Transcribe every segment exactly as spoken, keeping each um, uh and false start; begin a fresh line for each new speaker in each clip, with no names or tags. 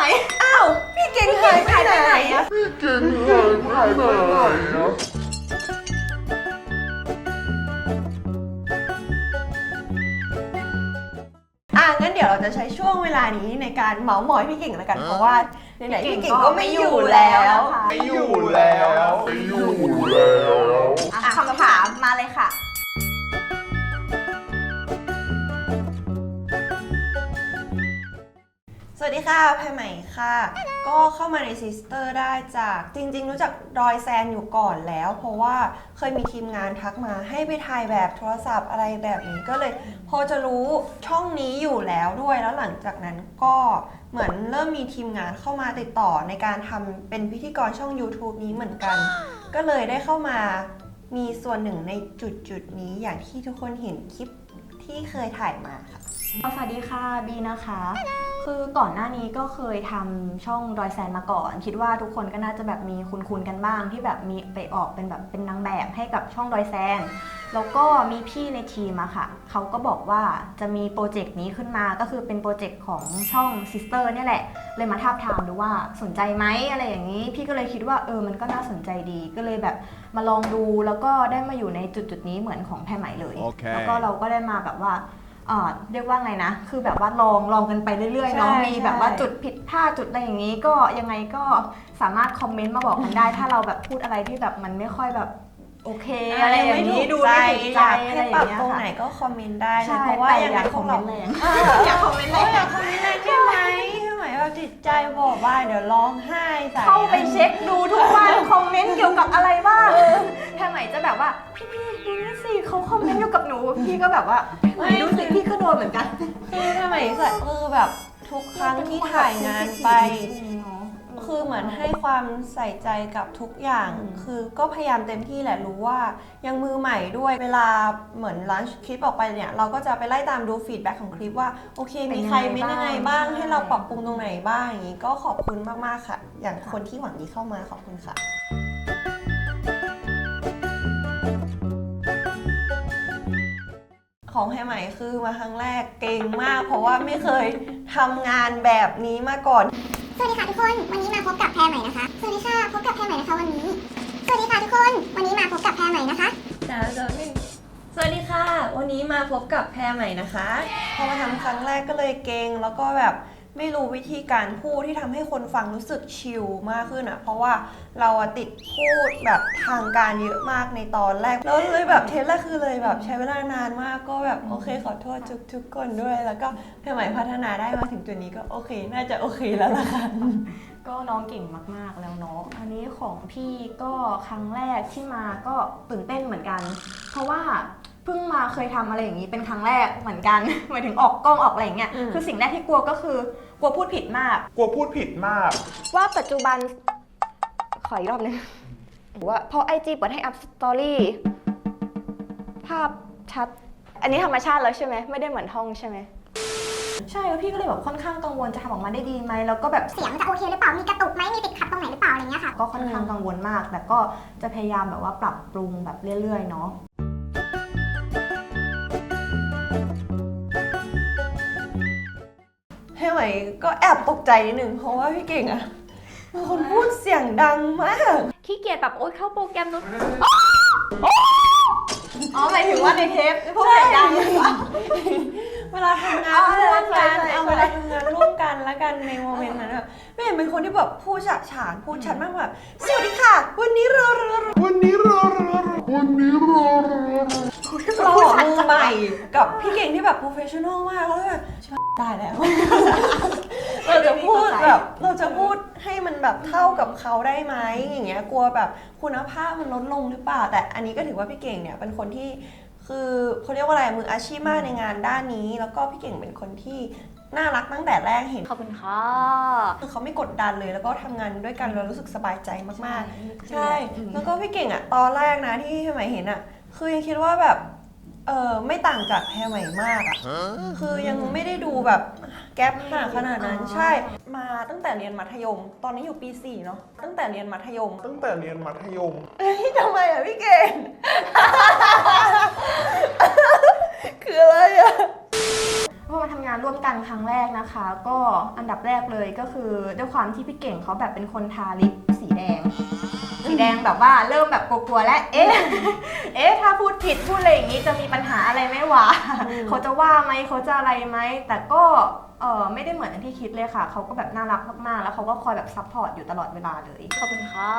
อ้าวพี่เก่งหายไปไหนอะ
พี่เก่งหายไปไหนอะ
อ่ะงั้นเดี๋ยวเราจะใช้ช่วงเวลานี้ในการเมาส์มอยพี่เก่งแล้วกันเพราะว่าไหนๆพี่เก่งก็ไม่อยู่แล้ว
ไม่อยู่แล้วไม่อยู่แล้ว
คำถามมาเลยค่ะ
สวัสดีค่ะแพรใหม่ค่ะก็เข้ามาในซิสเตอร์ได้จากจริงๆรู้จักดอยแซนอยู่ก่อนแล้วเพราะว่าเคยมีทีมงานทักมาให้ไปถ่ายแบบโทรศัพท์อะไรแบบนี้ก็เลยพอจะรู้ช่องนี้อยู่แล้วด้วยแล้วหลังจากนั้นก็เหมือนเริ่มมีทีมงานเข้ามาติดต่อในการทำเป็นพิธีกรช่อง YouTube นี้เหมือนกันก็เลยได้เข้ามามีส่วนหนึ่งในจุดจุดนี้อย่างที่ทุกคนเห็นคลิปที่เคยถ่ายมาค่ะ
สวัสดีค่ะบีนะคะคือก่อนหน้านี้ก็เคยทำช่องดอยแซนมาก่อนคิดว่าทุกคนก็น่าจะแบบมีคุ้นๆกันบ้างที่แบบมีไปออกเป็นแบบเป็นนางแบบให้กับช่องดอยแซนแล้วก็มีพี่ในทีมอะค่ะเขาก็บอกว่าจะมีโปรเจกต์นี้ขึ้นมาก็คือเป็นโปรเจกต์ของช่องซิสเตอร์เนี่ยแหละเลยมาทาบทามดูว่าสนใจไหมอะไรอย่างนี้พี่ก็เลยคิดว่าเออมันก็น่าสนใจดีก็เลยแบบมาลองดูแล้วก็ได้มาอยู่ในจุดๆนี้เหมือนของแพรใหม่เลย
okay.
แล้วก็เราก็ได้มาแบบว่าเรียกว่าไงนะคือแบบว่าลองลองกันไปเรื่อยๆเนาะมีแบบว่าจุดผิดพลาดจุดอะไรอย่างนี้ก็ยังไงก็สามารถคอมเมนต์มาบอกกันได้ถ้าเราแบบพูดอะไรที่แบบมันไม่ค่อยแบบโอเคอะไรอย่างนี้ดูไม่ถูกใจอะไรอย่างเงี้ยค่ะ
ปรับตรงไหนก็คอมเมนต์ได้เลยเพราะว่า
ว่า
ยังไงพวกเรา
อยากคอมเมนต์แรง
อยากคอมเมนต์แรงใช่ไหมใช่ไหมแบบจิตใจบอกว่าเดี๋ยวร้องไห้ใส่
เข้าไปเช็คดูทุกวันคอมเมนต์เกี่ยวกับอะไรบ้างแพรใหม่จะแบบว่าพี่พี่ดูนี่สิเขาคอมเมนต์เกี่ยวกับหนูพี่ก็แบบว่าดูสิพี่ก็โดนเหมือนกัน
คือทำไมใส่คือแบบทุกครั้งที่ถ่ายงานไปคือเหมือนให้ความใส่ใจกับทุกอย่างคือก็พยายามเต็มที่แหละรู้ว่ายังมือใหม่ด้วยเวลาเหมือนลันช์คลิปออกไปเนี่ยเราก็จะไปไล่ตามดูฟีดแบ็กของคลิปว่าโอเคมีใครเม้นยังไงบ้างให้เราปรับปรุงตรงไหนบ้างอย่างนี้ก็ขอบคุณมากๆค่ะอย่างคนที่หวังดีเข้ามาขอบคุณค่ะของแพรใหม่คือมาครั้งแรกเก่งมากเพราะว่าไม่เคยทำงานแบบนี้มาก่อน
สวัสดีค่ะทุกคนวันนี้มาพบกับแพรใหม่นะคะสวัสดีค่ะพบกับแพรใหม่นะคะวันนี้สวัสดีค่ะทุกคนวันนี้มาพบกับแพรใหม่นะคะ
จ้าจ้าหนึ่งสวัสดีค่ะวันนี้มาพบกับแพรใหม่นะคะพอมาทำครั้งแรกก็เลยเก่งแล้วก็แบบไม่รู้วิธีการพูดที่ทำให้คนฟังรู้สึกชิลมากขึ้นอ่ะเพราะว่าเราติดพูดแบบทางการเยอะมากในตอนแรกแล้วเลยแบบเทสแรกคือเลยแบบใช้เวลานานมากก็แบบโอเคขอโทษทุกทุกคนด้วยแล้วก็แพรใหม่พัฒนาได้มาถึงจุดนี้ก็โอเคน่าจะโอเคแล้วล่ะค่ะ
ก็น้องเก่งมากๆแล้วเนาะอันนี้ของพี่ก็ครั้งแรกที่มาก็ตื่นเต้นเหมือนกันเพราะว่าเพิ่งมาเคยทำอะไรอย่างนี้เป็นครั้งแรกเหมือนกันหมายถึงออกกล้องออกอะไรอย่างเงี้ยคือสิ่งแรกที่กลัวก็คือกลัวพูดผิดมาก
กลัวพูดผิดมาก
ว่าปัจจุบันขออีกรอบนึงว่าพอไอจีเปิดให้อัพสตอรี่ภาพชัดอันนี้ธรรมชาติแล้วใช่ไหมไม่ได้เหมือนห้องใช่ไหมใช่แล้วพี่ก็เลยแบบค่อนข้างกังวลจะทำออกมาได้ดีไหมแล้วก็แบบ
เสียงจะโอเคหรือเปล่ามีกระตุกไหมมีติดขัดตรงไหนหรือเปล่าอะไรเงี้ยค่ะ
ก็ค่อนข้างกังวลมากแต่ก็จะพยายามแบบว่าปรับปรุงแบบเรื่อยๆเนาะ
ให้ไหมก็แอบตกใจนิดนึงเพราะว่าพี่เก่งอะเป็นคนพูดเสียงดังมาก
ขี้เกียจแบบโอ๊ยเข้าโปรแกรมนู้นอ๋อหมายถึงว่าในเทปพูดเสียงดัง
เวลาทำงานร่วมกันเอาเวลาทำงานร่วมกันแล้วกันในโมเมนต์นั้นแบบไม่เห็นเป็นคนที่แบบพูดฉะฉานพูดชัดมากแบบสวัสดีค่ะวันนี้เรา
วันนี้เราวันนี้เรา
เรามือใหม่กับพี่เก่งที่แบบโปรเฟชชั่นอลมากแล้วแบบได้แล้วเราจะพูดแบบเราจะพูดให้มันแบบเท่ากับเขาได้ไหมอย่างเงี้ยกลัวแบบคุณภาพมันลดลงหรือเปล่าแต่อันนี้ก็ถือว่าพี่เก่งเนี่ยเป็นคนที่คือเขาเรียกว่าอะไรมืออาชีพมากในงานด้านนี้แล้วก็พี่เก่งเป็นคนที่น่ารักตั้งแต่แรกเห็น
ขอบคุณค่ะ
คือเขาไม่กดดันเลยแล้วก็ทำงานด้วยกันเรารู้สึกสบายใจมากๆใช่แล้วก็พี่เก่งอ่ะตอนแรกนะที่พี่ใหม่เห็นอ่ะคือยังคิดว่าแบบเออไม่ต่างจากแพรใหม่มากอ่ะคือยังไม่ได้ดูแบบแก๊ปห่างขนาดนั้นใช่มาตั้งแต่เรียนมัธยมตอนนี้อยู่ปีสี่เนาะตั้งแต่เรียนมัธยม
ตั้งแต่เรียนมัธยม
เฮ้ยทำไมอ่ะพี่เก่งคืออะไรอ่ะ
พอมาทำงานร่วมกันครั้งแรกนะคะ ก็อันดับแรกเลยก็คือด้วยความที่พี่เก่งเขาแบบเป็นคนทาลิปสีแดง สีแดงแบบว่าเริ่มแบบกลัวๆแล้วเอ๊ะ เอ๊ะถ้าพูดผิดพูดอะไรอย่างนี้จะมีปัญหาอะไรไหมวะ เขาจะว่าไหมเขาจะอะไรไหมแต่ก็เออไม่ได้เหมือนอย่างที่คิดเลยค่ะเขาก็แบบน่ารักมากๆแล้วเขาก็คอยแบบซัพพอร์ตอยู่ตลอดเวลาเลยขอบคุณค่ะ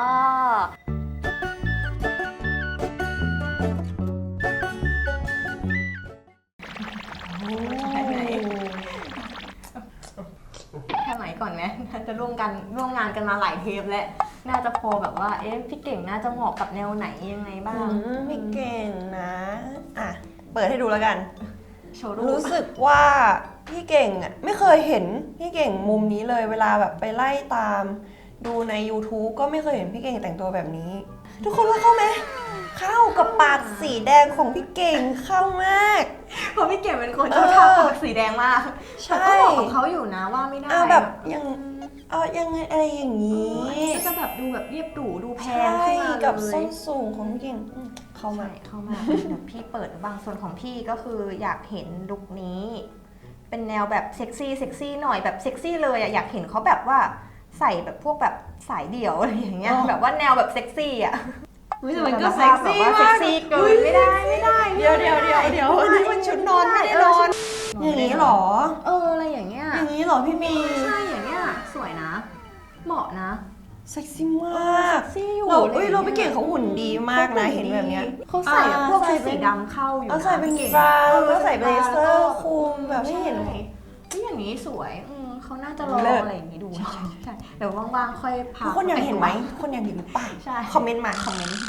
แค่ไหนก่อนไหมน่าจะร่วมกันร่วมงานกันมาหลายเทปแล้วน่าจะพอแบบว่าเอ๊ะพี่เก่งน่าจะเหมาะกับแนวไหนยังไงบ้าง
พี่เก่งนะ อ่ะ เปิดให้ดูแล้วกัน
โชว์รูป
รู้สึกว่าพี่เก่งอ่ะไม่เคยเห็นพี่เก่งมุมนี้เลยเวลาแบบไปไล่ตามดูใน YouTube ก็ไม่เคยเห็นพี่เก่งแต่งตัวแบบนี้ ทุกคนว่าเข้าไหมเข้ากับปากสีแดงของพี่เก่งเข้ามาก
เพราะพี่เก่งเป็นคนชอบทาปากสีแดงมาก
ใช่
แต่ก็บอกของเขาอยู่นะว่าไม่ได้
เอาแบบยังเอายังไงอะไรอย่างนี้
ก็จะแบบดูแบบเรียบหรูดูแพ
ใช่
งขึ้นมาเลย
กับส้นสูงของพี่เก่งอืมเข้ามา
ใช่เข้ามาเดี๋ยวพี่เปิดบางส่วนของพี่ก็คืออยากเห็นลุคนี้ เป็นแนวแบบเซ็กซี่เซ็กซี่หน่อยแบบเซ็กซี่เลยอะอยากเห็นเขาแบบว่าใส่แบบพวกแบบสายเดี่ยวอะไรอย่างเงี้ย
อ๋อ
แบบว่าแนวแบบเซ็กซี่อะ
แต่มันก็เซ็กซี่
แบบว่าเซ็กซี่เกินไม่ได้ไม่ได้
เดี๋ยวเดี๋ยวเดี๋ยวเดี๋ยวนี่มันชุดนอนไม่ได้นอน อย่างนี้เหรอ
เอออะไรอย่างเงี้ย
อย่างนี้เหรอพี่มี
ใช่อย่างเงี้ยสวยนะ เหมาะนะ
เซ็กซี่มาก
เซ็กซี่อยู่
เราเอ้ยเราพี่เก่งเขาหุ่นดีมากนะเห็นแบบเนี้ย
เขาใส่แบบพวก
อ่าใส่
ชุด
เป็น
สีดำเข้าอยู่
เอา
นะ
ใส่เป็น
ก่ง
บรา
ออ
แล้วใส่เบลเซอร์
แล้วก็
คลุมแบบไม่เห็น
ใช่ที่อย่างนี้สวยอืมเขาน่าจะลอง
เลิศ
อะไรอย่างนี้ดูใช่เดี๋ยวว่างๆค่อยพา
ทุกคนอยากเห็นไหม
ป
ทุกคนอยากเห็นหรือเปล่า
ใช่
คอมเมนต์มาคอมเมนต์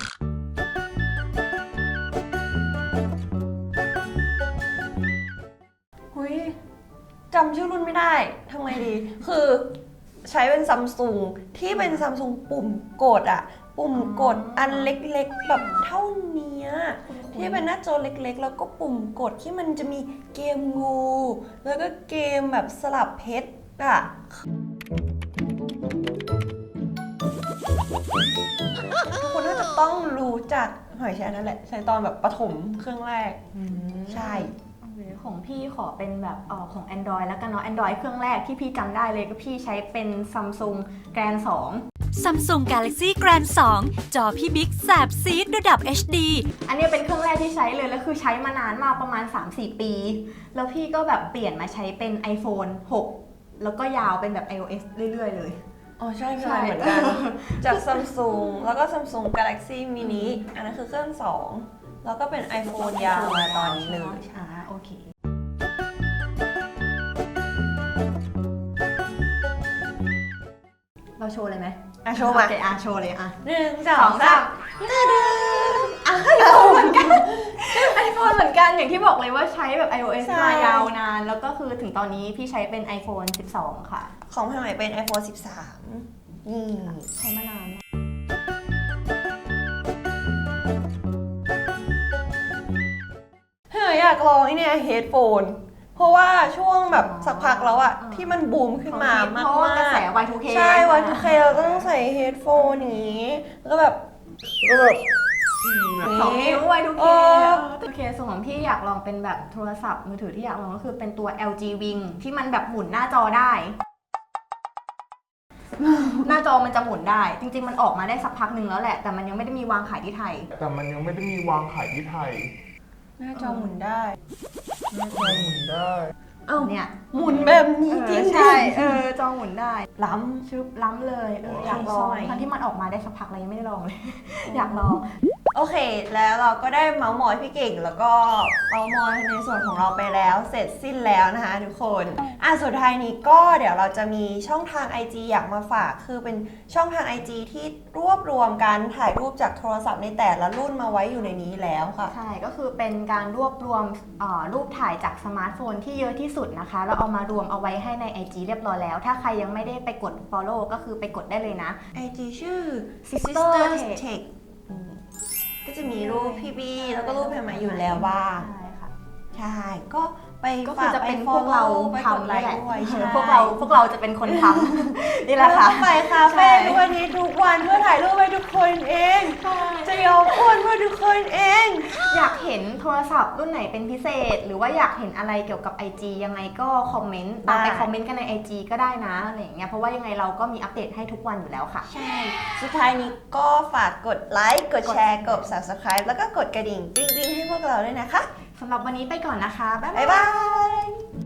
หุยจำชื่อรุ่นไม่ได้ทำไงดี คือใช้เป็นซัมซุงที่เป็นซัมซุงปุ่มกดอะปุ่มกดอันเล็กๆแบบเท่าเนี้ยที่เป็นหน้าจอเล็กๆ แล้วก็ปุ่มกดที่มันจะมีเกมงู แล้วก็เกมแบบสลับเพชรอะทุกคนน่าจะต้องรู้จักหอยแชร์นั่นแหละ ใช้ตอนแบบประถมเครื่องแรก ใช่
ของพี่ขอเป็นแบบเออของ Android แล้วกันเนาะ Android เครื่องแรกที่พี่จำได้เลยก็พี่ใช้เป็น Samsung Grand สอง
Samsung Galaxy Grand สอง จอพี่บิ๊กแสบซีดระดับ เอช ดี
อันนี้เป็นเครื่องแรกที่ใช้เลยแล้วคือใช้มานานมากประมาณ สามสี่ ปี แล้วพี่ก็แบบเปลี่ยนมาใช้เป็น iPhone หก แล้วก็ยาวเป็นแบบ iOS เรื่อยๆเลย
อ๋อใช่
ใช่
ใช่เหมือนกัน จาก Samsung แล้วก็ Samsung Galaxy Mini อันนั้นคือเครื่องสองแล้วก็เป็น iPhone ยาวมาตอนนี้เลย
อ่าโอเค เราโชว์เลยไหม
อ่ะโชว์มา
โอเคอ่ะโชว์เลยอ่ะ
หนึ่งส
ส
อ
อง ง
สา
สาม มอ่ะไอโฟนเหมือนกันไอโฟนเหมือนกันอย่างที่บอกเลยว่าใช้แบบ iOS
ใช่
มายาวนาน แล้วก็คือถึงตอนนี้พี่ใช้เป็น iPhone สิบสอง ค่ะ
ของพี่ใหม่เป็น iPhone สิบสามนี่
ใช้มานาน
เฮ้ยอยากลองไอเนี่ยเฮดโฟนเพราะว่าช่วงแบบสักพักแล้วอะที่มันบูมขึ้นมามาก
เพราะว่ากระแส
ๆ
วาย ทู เค
ใช่ วาย ทู เค เราต้องใส่เฮดโฟนอย่างนี้ แล้วก็แบบแล้วก็แบบ
สองนิ้ว วาย ทู เค
เออ
โอเคส่วนของพี่อยากลองเป็นแบบโทรศัพท์มือถือที่อยากลองก็คือเป็นตัว แอล จี Wing ที่มันแบบหมุนหน้าจอได้ หน้าจอมันจะหมุนได้ จริงๆมันออกมาได้สักพักหนึ่งแล้วแหละ แต่มันยังไม่ได้มีวางขายที่ไทย
แต่มันยังไม่ได้มีวางขายที่ไทย
หน้าจอหมุนได้
หน้าจอหมุนได้
เอ้า
เนี่ย
หมุนแบบนี้จริง
ใช่เออจอหมุนได้
ๆล้
ชึบล้ำเลยเอออยากลอง
สวย
ทั้งที่มันออกมาได้สักพักแล้วยังไม่ได้ลองเลย อยากลอง
ำโอเค แล้วเราก็ได้เมาส์มอยพี่เก่ง แล้วก็เมาส์มอยในส่วนของเราไปแล้ว เสร็จสิ้นแล้วนะคะทุกคนอ่ะสุดท้ายนี้ก็เดี๋ยวเราจะมีช่องทาง ไอ จี อยากมาฝาก คือเป็นช่องทาง ไอ จี ที่รวบรวมการถ่ายรูปจากโทรศัพท์ในแต่ละรุ่นมาไว้อยู่ในนี้แล้วค่ะ
ใช่ ก็คือเป็นการรวบรวมเอ่อรูปถ่ายจากสมาร์ทโฟนที่เยอะที่สุดนะคะ แล้วเอามารวมเอาไว้ให้ใน ไอ จี เรียบร้อยแล้ว ถ้าใครยังไม่ได้ไปกด follow ก็คือไปกดได้เลยนะ
ไอ จี ชื่อ
Sister
Sister
Tech
Tech อืมก็จะมีรูปพี่บีแล้วก็รูปแพรมาอยู่แล้วบ้าง
ใช่ค่ะ
ใช่ ก็ไป
ก็คือจะเป็นพวกเราทำ
ไล
นี่
ค์
แหละ
ด้วยใช่
พวกเราพวกเราจะเป็นคนทำ นี่แหละค่ะ
แล้วก็ไปคาเฟ่ทุกวันนี้ทุกวันเพื่อถ่ายรูปให้ทุกคนเอง จะยอมอ้วนเพื่อทุกคนเอง
อยากเห็นโทรศัพท์รุ่นไหนเป็นพิเศษ หรือว่าอยากเห็นอะไรเกี่ยวกับ ไอ จี ยังไงก็คอมเมนต์ตามไปคอมเมนต์กันใน ไอ จี ก็ได้นะอะไรอย่างเงี้ยเพราะว่ายังไงเราก็มีอัปเดตให้ทุกวันอยู่แล้วค่ะ
ใช่ สุดท้ายนี้ก็ฝากกดไลค์ กดแชร์ กด Subscribe แล้วก็กดกระดิ่งกริ๊งๆให้พวกเราด้วยนะคะ
สำหรับวันนี้ไปก่อนนะคะ บ๊าย
บ๊าย
บา
บาย ย